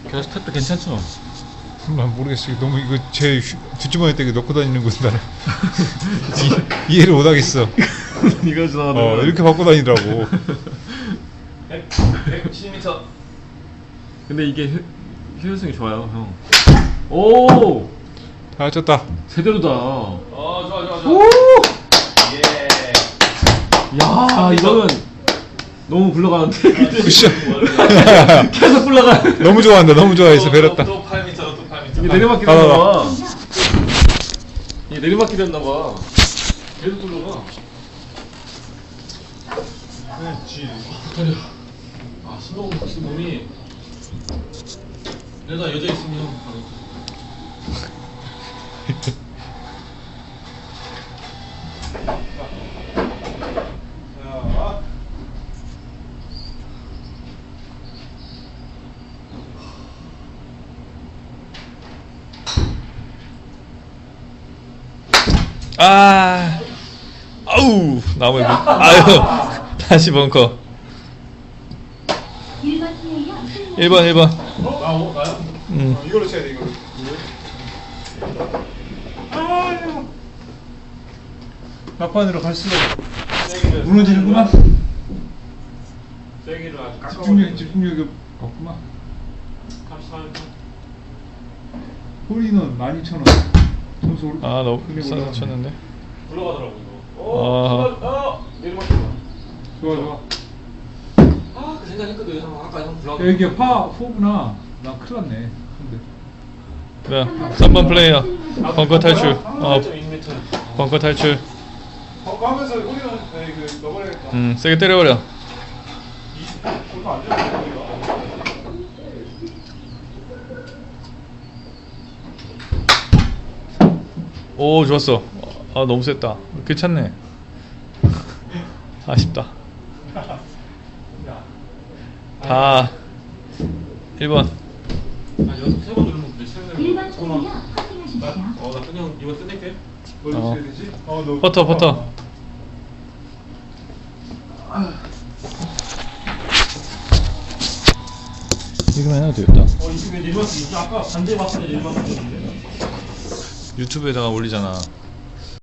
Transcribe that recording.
걔 스텝도 괜찮죠? 난 모르겠어. 너무 이거 제 뒷주머니에 되게 넣고 다니는 건데 나는 이해를 못 하겠어. 이거 좋아하는 이렇게 갖고 다니더라고. 170m. 근데 이게 효율성이 좋아요, 형. 오! 다 쳤다. 제대로다. 좋아. 오! 예. 야, 이거는 너무 굴러가는데. 쿠션. 계속 굴러가. 너무 좋아한다. 너무 좋아해서 베렸다. 또 8m, 또 8m. 이게 내리막길 됐나봐. 이게 내리막길 됐나봐. 계속 굴러가. 다려. 아, 신동 혹시 몸이. 내가 여자 있으면 형 바로. 아우 나무에 아유 다시 벙커. 1번. 나요? 이걸로 쳐야 돼, 이걸로. 막판으로 갈수록 무너지는구나. 세기를 아주 깎아. 집중력이 없구만. 감사합니다. 홀인원 12,000원. 점수 올. 너무 싸서 쳤는데. 굴러가더라고 이거. 내리막길 봐. 좋아. 그 생각했거든. 아까 형 굴러가. 이게 파 4구나. 나 큰일 났네. 근데 자, 3번 플레이어. 벙커 탈출. 8.2m. 벙커 탈출. 하면서 홀인원 넣어버려야겠다. 세게 때려버려. 얼마 안 되는 거야. 오, 좋았어. 너무 셌다. 괜찮네. 아쉽다. 다 1번. 연습 3번 누르면 몇 시간 되는 거야? 1번 플레이어 확인하십시오. 나 그냥 이거 끝낼게. 뭘 쳐야 되지? 너 퍼터. 이거만 해도 되겠다. 이게 내리막길. 아까 반대 봤을 때 내리막길이었는데. 유튜브에다가 올리잖아.